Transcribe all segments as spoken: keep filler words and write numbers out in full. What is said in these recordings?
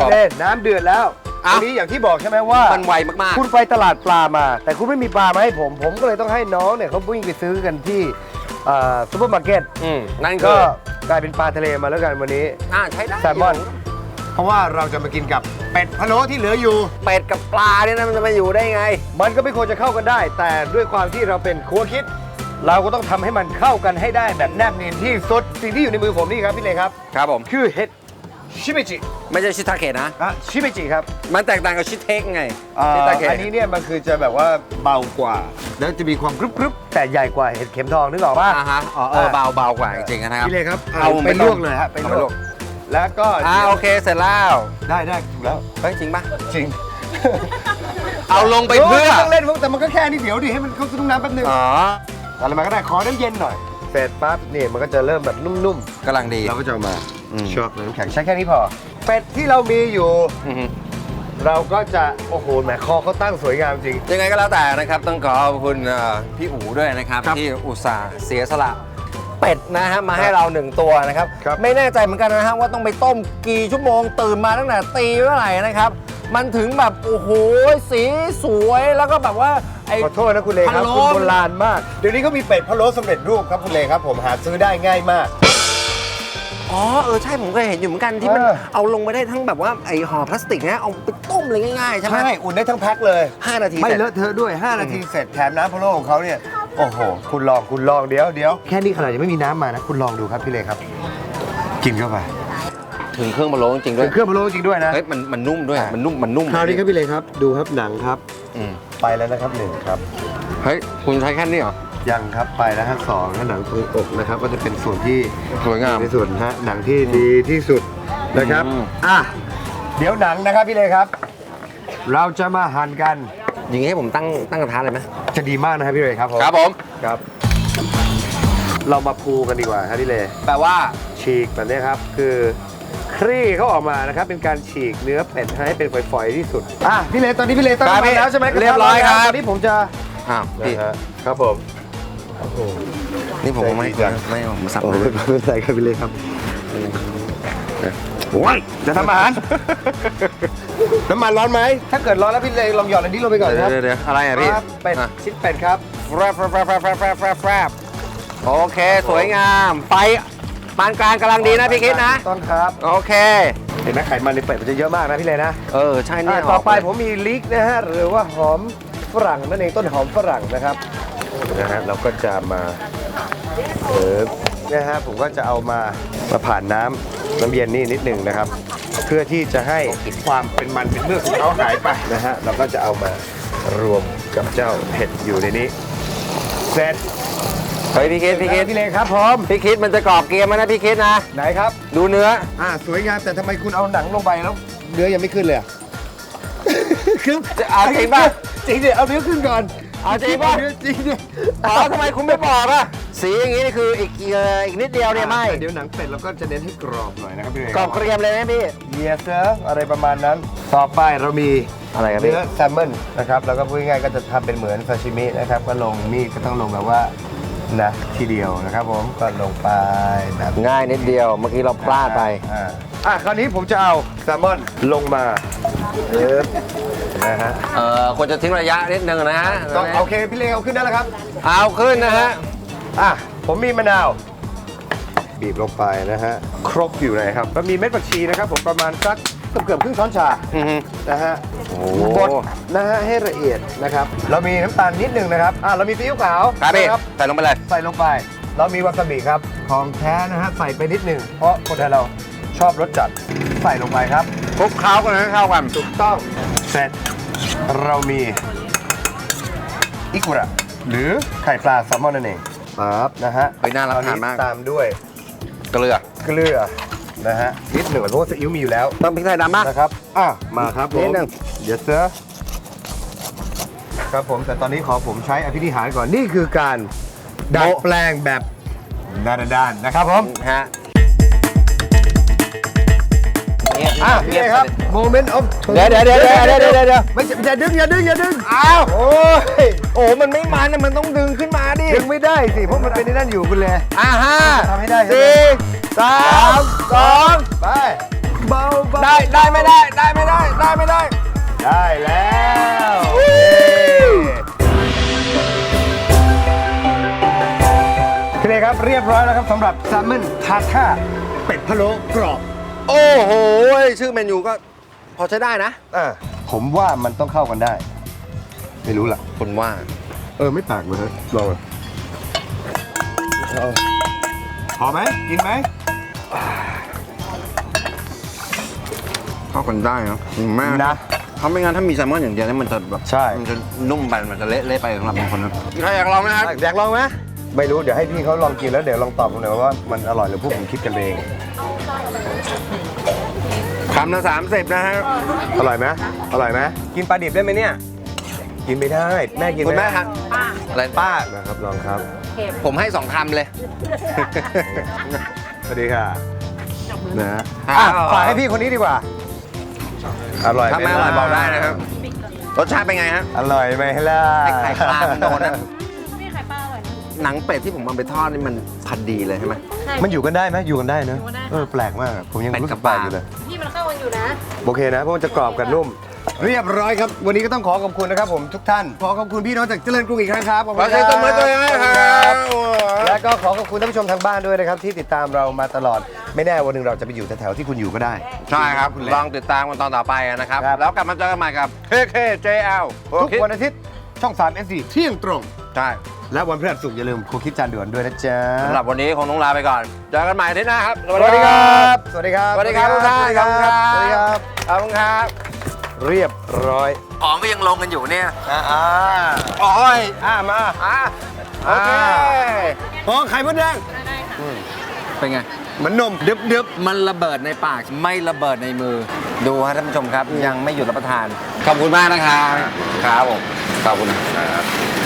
เล่นน้ำเดือดแล้วอันนี้อย่างที่บอกใช่ไหมว่ามันไวมากๆคุณไปตลาดปลามาแต่คุณไม่มีปลามาให้ผมผมก็เลยต้องให้น้องเนี่ยเขาวิ่งไปซื้อกันที่ซูเปอร์มาร์เก็ตอืมนั่นก็ก็กลายเป็นปลาทะเลมาแล้วกันวันนี้อ่าใช้ได้แซลมอนเพราะว่าเราจะมากินกับเป็ดพะโล้ที่เหลืออยู่เป็ดกับปลาเนี่ยนะมันจะมาอยู่ได้ไงมันก็ไม่ควรจะเข้ากันได้ แต่ด้วยความที่เราเป็นครัวคิด เราก็ต้องทำให้มันเข้ากันให้ได้แบบแนบเนียนที่สุดสิ่งที่อยู่ในมือผมนี่ครับพี่เลครับครับผมคือเห็ดชิเมจิไม่ใช่ชิทาเกะนะอ่ะชิเมจิครับมันแตกต่างกับชิเทคไงอ่าชิทาเกะอันนี้เนี่ยมันคือจะแบบว่าเบากว่า แล้วจะมีความกรึบๆแต่ใหญ่กว่าเห็ดเข็มทองนึกออกป่ะอ่าฮะอ๋อเออเบาเบากว่าจริงๆนะครับพี่เลครับเอาไปลวกเลยฮะไปเอาลไปลววกกแล้วก็อ่าโอเคเสร็จแล้วได้ได้ถูกแล้วเฮ้ยจริงป่ะจริงเอาลงไปเพื่อโต้องเล่นแต่มันก็แค่นี้เดี๋ยวดิให้มันเข้าซุ้มน้ำแป๊บนึงอ๋ออะไรมาก็ได้ขอน้ำเย็นหน่อยเสร็จปั๊บนี่มันก็จะเริ่มแบบนุ่มกำลังดีๆเราก็จะเอามาอืมชอบน้ำแข็งใช้แค่นี้พอเป็ดที่เรามีอยู่อือฮึเราก็จะโอ้โหแหมคอเขาตั้งสวยงามจริงยังไงก็แล้วแต่นะครับต้องขอขอบคุณเอ่อพี่อู๋ด้วยนะครับครับที่อุตส่าห์เสียสละเป็ดนะฮะมาให้เราหนึ่งตัวนะครับครับไม่แน่ใจเหมือนกันนะฮะว่าต้องไปต้มกี่ชั่วโมงตื่นมาตั้งแต่ตีเมื่อไหร่นะครับ มันถึงแบบโอ้โหสีสวยแล้วก็แบบว่าไอ้ขอโทษนะคุณเลครับพะโล้คุณโบราณมาก เดี๋ยวนี้เขามีเป็ดพะโล้สำเร็จรูปครับคุณเลครับผมหาซื้อได้ง่ายมากอ๋อเออใช่ผมเคยเห็นอยู่เหมือนกันที่มันเออเอาลงไปได้ทั้งแบบว่าไอ้ห่อพลาสติกนะเอาไปต้มเลยง่ายๆใช่ไหมใช่อุ่นได้ทั้งแพ็คเลยห้านาทีไม่เสร็จเลอะเทอะด้วย ห้า นาทีเสร็จแถมน้ำพะโล้ของเขาเนี่ยโอ้โหคุณลองคุณลองเดี๋ยวเดี๋ยวแค่นี้ขนาดยังไม่มีน้ำมานะคุณลองดูครับพี่เลครับ กินเข้าไปถึงเครื่องพะโล้จริงๆด้วเป็ยนเครื่องพะโล้จริงด้วยนะเฮ้ยมันมันนุ่มด้วยมันนุ่มมันนุ่มคราวนี้ครับพี่เลครับดูครับหนังครับอืมไปแล้วนะครับหนึ่งครับเฮ้ยคุณใช้แค่นี้เหรอยังครับไปแล้วฮะสองฮะหนังตรงอกนะครับก็จะเป็นส่วนที่สวยงามในส่วนฮะหนังที่ดีที่สุดนะครับอืมอ่ะเดี๋ยวหนังนะครับพี่เลครับ เราจะมาหั่นกันอย่างงี้ให้ผมตั้งตั้งกระทะเลยไหมจะดีมากนะครับพี่เลครับผมครับผมครับ เรามาพูกันดีกว่าครับพี่เลแปลว่าฉีกแบบนี้ครับคือคลี่เขาออกมานะครับเป็นการฉีกเนื้อเป็ดให้เป็นฝอยๆที่สุดอ่ะพี่เลตอนนี้พี่เลตั้งครับมาแล้วใช่ไหมเรียบร้อยครับตอนนี้ผมจะอ้าวพี่นะฮะครับผมโอ้โหนี่ผมไม่ใจดีจังไม่ผมสับโอ้เลยไม่เป็นไรครับพี่เลครับโอ้ยจะทำอาหาร น้ำมันร้อนไหม ถ้าเกิดร้อนแล้วพี่เลลองหยอดอันนี้ลงไปก่อนครับเดี๋ยวเดี๋ยวอะไรอ่ะพี่ครับเป็ดอ่ะชิ้นเป็ดครับแฟรบแฟรบแฟรบแฟรบแฟรบแฟรบแฟรบแฟรบโอเคสวยงามไฟปานกลางกำลังดีนะพี่คิดนะต้องครับโอเคเห็นไหมไขมันในเป็ดมันจะเยอะมากนะพี่เลนะเออใช่เนี่ยอ่ะต่อไปผมมีลิกนะฮะหรือว่าหอมฝรั่งนั่นเองต้นหอมฝรั่งนะครับนะฮะเราก็จะมาเออนะฮะผมก็จะเอามามาผ่านน้ำน้ำเย็นนี่นิดหนึ่งนะครับ เพื่อที่จะให้ความเป็นมันเป็นเมือกของเขาหายไปนะฮะเราก็จะเอามารวมกับเจ้าเห็ดอยู่ในนี้เสร็จเฮ้ยพี่คิดพี่คิดพี่เลครับพร้อมพี่คิดมันจะกรอบเกรียมไหมนะพี่คิดนะไหนครับดูเนื้ออ่าสวยงามแต่ทำไมคุณเอาหนังลงไปแล้วเนื้อยังไม่ขึ้นเลยอะ คือจะเอาจริงป่ะจริงดิเอาเนื้อขึ้นก่อนเอาจริงป่ะเนื้อจริงดิอ๋อทำไมคุณไม่บอกอ่ะสีอย่างงี้นี่คืออีกเอ่ออีกนิดเดียวเนี่ยไม่แต่เดี๋ยวหนังเป็ดเราก็จะเน้นให้กรอบหน่อยนะครับพี่เลกรอบเกรียมเลยนะพี่เยสเซอร์อะไรประมาณนั้น ต่อไปเรามีอะไรครับพี่เนื้อแซลมอนนะครับแล้วก็พูดง่ายๆก็จะทำเป็นเหมือนซาชิมินะครับก็ลงมีดก็ต้องลงแบบว่านะทีเดียวนะครับผมก็ลงไปแบบง่ายนิดเดียวเมื่อกี้เราพลาดไปอ่าอ่ะคราวนี้ผมจะเอาแซลมอนลงมาเอิบนะฮะเอ่อควรจะทิ้งระยะนิดนึงนะฮะต้องโอเคพี่เลเอาขึ้นได้แล้วครับเอาขึ้นนะฮะอ่ะผมมีมะนาวบีบลงไปนะฮะครบอยู่ไหนครับแล้วมีเม็ดผักชีนะครับผมประมาณสักเกือบเกือบครึ่งช้อนชาอือฮึนะฮะโอ้บดนะฮะให้ละเอียดนะครับเรามีน้ำตาลนิดหนึงนะครับอ่ะเรามีซีอิ๊วขาวครับพี่นะใส่ลงไปเลยใส่ลงไป เรามีวาซาบิครับของแท้นะฮะใส่ไปนิดหนึงเพราะคนไทยเราชอบรสจัดใส่ลงไปครับคลุกเคล้ากันให้เข้ากันถูกต้องเสร็จเรามีอิกุระหรือไข่ปลาแซลมอนนั่นเองครับนะฮะเฮ้ยน่ารับประทานมากตามด้วยเกลือเกลือนะฮะนิดหนึ่งเพราะว่าซีอิ๊วมีอยู่แล้วต้องพริกไทยดำมากนะครับอ่ะมาครับผมนิดหนึ่งเดี๋ยวเซอครับผมแต่ตอนนี้ขอผมใช้อภินิหารก่อนนี่คือการดัดแปลงแบบด้านๆนะครับผมฮะอ่ะพี่เอครับ moment of truth เดี๋ยวเดี๋ยวเดี๋ยวเดี๋ยวเดี๋ยวเดี๋ยวเดี๋ยวไม่ใช่อย่าดึงอย่าดึงอย่าดึงอ้าวโอ้ยโอ้มันไม่มันนะมันต้องดึงขึ้นมาดิดึงไม่ได้สิเพราะมันเป็นในนั่นอยู่คุณเลยอ่าห้าทำให้ได้ใช่ไหมสี่สามสองไปเบาๆได้ได้ไม่ได้ได้ได้แล้วพี่เนครับเรียบร้อยแล้วครับสำหรับแซลมอนทาท่าเป็ดพะโล้กรอบโอ้โห ชื่อเมนูก็พอใช้ได้นะอ่ะผมว่ามันต้องเข้ากันได้ ไม่รู้ล่ะคุณว่าเออ ไม่ปากเลยฮะลองเอาพอไหมกินไหมเข้ากันได้เนาะแม่นะถ้าไม่งั้นถ้ามีแซลมอนอย่างเดียวนี่มันจะแบบใช่มันจะนุ่มไปมันจะเละเละไปสำหรับบางคนนะใครอยากลองไหมครับอยากลองไหมไม่รู้เดี๋ยวให้พี่เขาลองกินแล้วเดี๋ยวลองตอบผมหน่อยว่ามันอร่อยหรือพวกผมคิดกันเองคำละสามสิบนะฮะอร่อยไหมอร่อยไหมกินปลาดิบได้ไหมเนี่ย กินไม่ได้แม่กินคุณไหมแม่ครับอะไรป้านะครับลองครับผมให้สองคำเลยสวัสดีค่ะนะครัอ่ะบฝากให้พี่คนนี้ดีกว่า อร่อยถ้าไหมไม่อร่อยล่ะบอกได้นะครับ รสชาติเป็นไงฮะอร่อยไหมล่ะไอ้ไข่ปลามันโดนนะพี่ไข่ปลาอร่อยนะหนังเป็ดที่ผมเอาไปทอดนี่มันพันดีเลยใช่ไหมใช่มันอยู่กันได้ไหมอยู่กันได้เนอะอยู่กันได้ค่ะเออแปลกมากอะผมยังเป็ดรู้กัสึบกแปลกปลาอยู่เลยพี่มันเข้ากันอยู่นะโอเคนะเพราะมันจะกรอบกับนุ่ม เรียบร้อยครับ วันนี้ก็ต้องขอขอบคุณนะครับผมทุกท่านขอขอบคุณพี่น้องจากเจริญกรุงอีกครั้งครับขอบขคุอณใช้ตัวมือตัวเองให้ครับและก็ขอขอบคุณท่านผู้ชมทางบ้านด้วยนะครับที่ติดตามเรามาตลอดไม่แน่วันหนึ่งเราจะไปอยู่แถวๆที่คุณอยู่ก็ได้ใช่ครับคุณเล็กลองติดตามกันตอนต่อไปนะครับครับแล้วกลับมาเจอกันใหม่กับ เค เค เจ แอลทุกวันอาทิตย์ช่องสาม เอส ซี เที่ยงตรงใช่และวันพฤหัสศุกร์อย่าลืมครูคิดจานด่วนด้วยนะจ๊ะสำหรับวันนี้คงต้องลาไปก่อน เจอกันใหม่อาที่หน้าครับสวัสดีครับ สวัสดีครับสวัสดีครับทุกท่านขอบคุณครับสวัสดีครับขอบคุณครับเรียบร้อยของก็ยังลงกันอยู่เนี่ยอ่าอ่าโอ้ยอ่ามาอ่ะโอเคโอ้ไข่มดแดงเป็นไงเหมือนนมดึบดึบมันระเบิดในปากไม่ระเบิดในมือ ดูฮะท่านผู้ชมครับ ยังไม่หยุดรับประทาน ขอบคุณมากนะครับครับผมขอบคุณครับ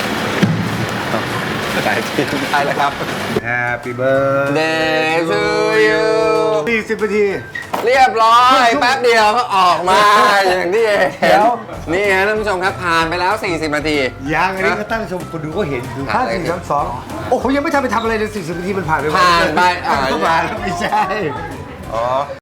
ได้ที่ได้แล้วครับ Happy birthday Day to you สี่สิบนาทีเรียบร้อยแป๊บเดียวก็ออกมาอย่างที่เห็เดี๋นยวนี่ฮะท่านผู้ชมครับผ่านไปแล้ว สี่สิบ นาทียังอันนี้ก็ตั้งชมคนดูก็เห็นดูห้าสี่สามสองโอ้โหยังไม่ทันไปทำอะไรเลยสี่สิบนาทีมันผ่านไปผ่านไปอ่ะก็มาแล้วไม่ใช่ อ๋อ